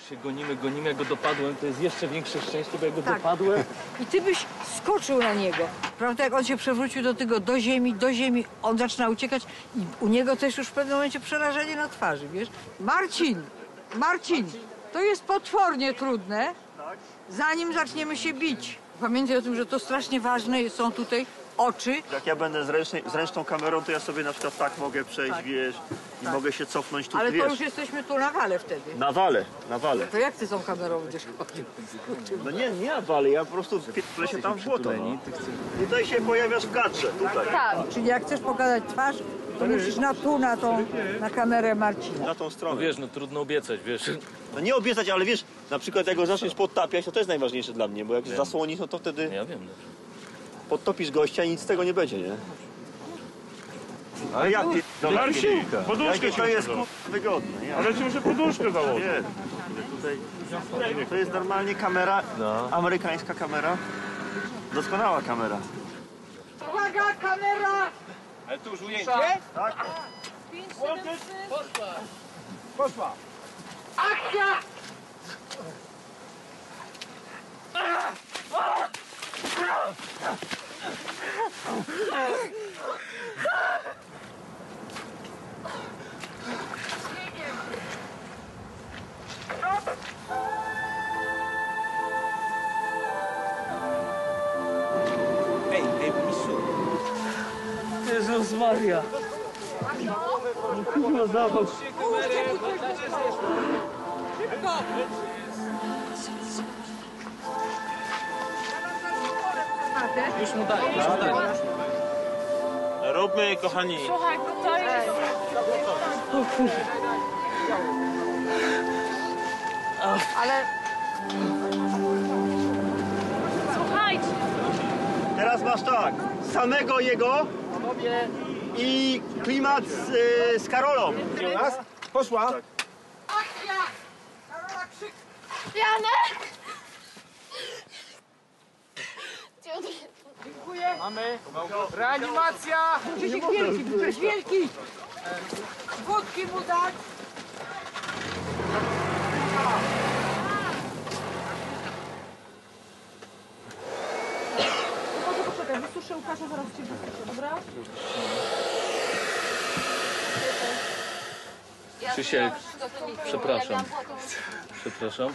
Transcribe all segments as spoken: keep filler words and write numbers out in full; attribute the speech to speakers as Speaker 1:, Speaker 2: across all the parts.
Speaker 1: się gonimy, gonimy, jak go dopadłem, to jest jeszcze większe szczęście, bo jak go
Speaker 2: Tak.
Speaker 1: dopadłem...
Speaker 2: I ty byś skoczył na niego. Prawda, jak on się przewrócił do tego, do ziemi, do ziemi, on zaczyna uciekać i u niego też już w pewnym momencie przerażenie na twarzy, wiesz? Marcin, Marcin, to jest potwornie trudne, zanim zaczniemy się bić. Pamiętaj o tym, że to strasznie ważne są tutaj oczy.
Speaker 3: Jak ja będę z, ręcznej, z ręczną kamerą, to ja sobie na przykład tak mogę przejść,
Speaker 2: Tak.
Speaker 3: wiesz, i
Speaker 2: Tak.
Speaker 3: mogę się cofnąć tu,
Speaker 2: Ale
Speaker 3: wiesz.
Speaker 2: to już jesteśmy tu na wale wtedy.
Speaker 3: Na wale, na wale.
Speaker 2: To jak ty tą kamerą będziesz chodził?
Speaker 3: No nie, nie na wale, ja po prostu wpierdolę się tam w błoto. No. Tutaj się pojawiasz w kadrze, tutaj.
Speaker 2: Tak. Czyli jak chcesz pokazać twarz, to musisz na tu, na tą, na kamerę Marcina.
Speaker 3: Na tą
Speaker 1: No
Speaker 3: stronę.
Speaker 1: wiesz, no trudno obiecać, wiesz.
Speaker 3: No nie obiecać, ale wiesz, na przykład jak go zaczniesz podtapiać, to to jest najważniejsze dla mnie, bo jak
Speaker 1: Wiem.
Speaker 3: zasłonisz, no to wtedy
Speaker 1: Ja wiem, dobrze.
Speaker 3: podtopisz gościa i nic z tego nie będzie, nie? Ale jak
Speaker 4: No Marcin, poduszkę
Speaker 3: jakie
Speaker 4: ci
Speaker 3: to jest
Speaker 4: muszę
Speaker 3: kur... wygodne, nie?
Speaker 4: Ale ci muszę poduszkę założyć.
Speaker 3: Nie, tutaj to jest normalnie kamera,
Speaker 1: No.
Speaker 3: amerykańska kamera. Doskonała kamera.
Speaker 2: Uwaga, kamera!
Speaker 4: Ale tu już ujęcie.
Speaker 3: Tak?
Speaker 4: Poszła.
Speaker 2: Akcja!
Speaker 1: Ej, ej, mistrzu. Jezus Maria. Kurwa, zobacz. Już mu daj, już mu daj.
Speaker 4: Róbmy, kochani.
Speaker 5: Słuchaj, to jest...
Speaker 2: Ale
Speaker 5: Słuchajcie,
Speaker 3: Teraz masz tak, samego jego i klimat z, y, z Karolą.
Speaker 4: Raz, poszła.
Speaker 2: akcja! Karola krzyk!
Speaker 5: Janek!
Speaker 4: Mamy. Reanimacja.
Speaker 2: Krzysiek wielki, Krzysiek wielki! Wódki mu dać! Poczekaj, wysuszę Łukasza, zaraz cię wysuszę, dobra?
Speaker 1: Krzysiek, przepraszam. Przepraszam.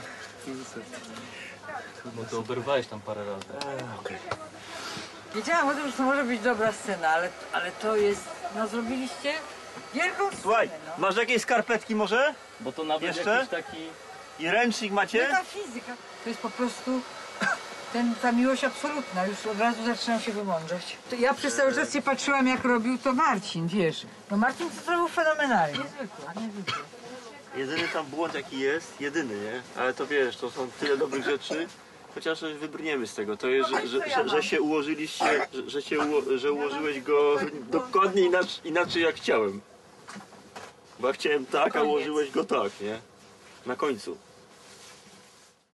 Speaker 1: No to oberwałeś tam parę razy.
Speaker 2: Wiedziałam o tym, że to może być dobra scena, ale, ale to jest... No zrobiliście wielką scenę,
Speaker 3: Słuchaj,
Speaker 2: no.
Speaker 3: masz jakieś skarpetki może?
Speaker 1: Bo to nawet
Speaker 3: Jeszcze?
Speaker 1: jakiś taki...
Speaker 3: I ręcznik macie?
Speaker 2: Metafizyka. To jest po prostu ten, ta miłość absolutna. Już od razu zaczynam się wymądrzeć. To ja przez cały czas się patrzyłam, jak robił to Marcin, wiesz. No Marcin to zrobił fenomenalnie. Niezwykle, niezwykle.
Speaker 3: Jedyny tam błąd jaki jest, jedyny, nie? Ale to wiesz, to są tyle dobrych rzeczy, chociaż wybrniemy z tego. To jest, że, że, że, że się ułożyliście, że, że, się uło, że ułożyłeś go dokładnie inaczej, inaczej jak chciałem. Bo ja chciałem tak, a ułożyłeś go tak, nie? Na końcu.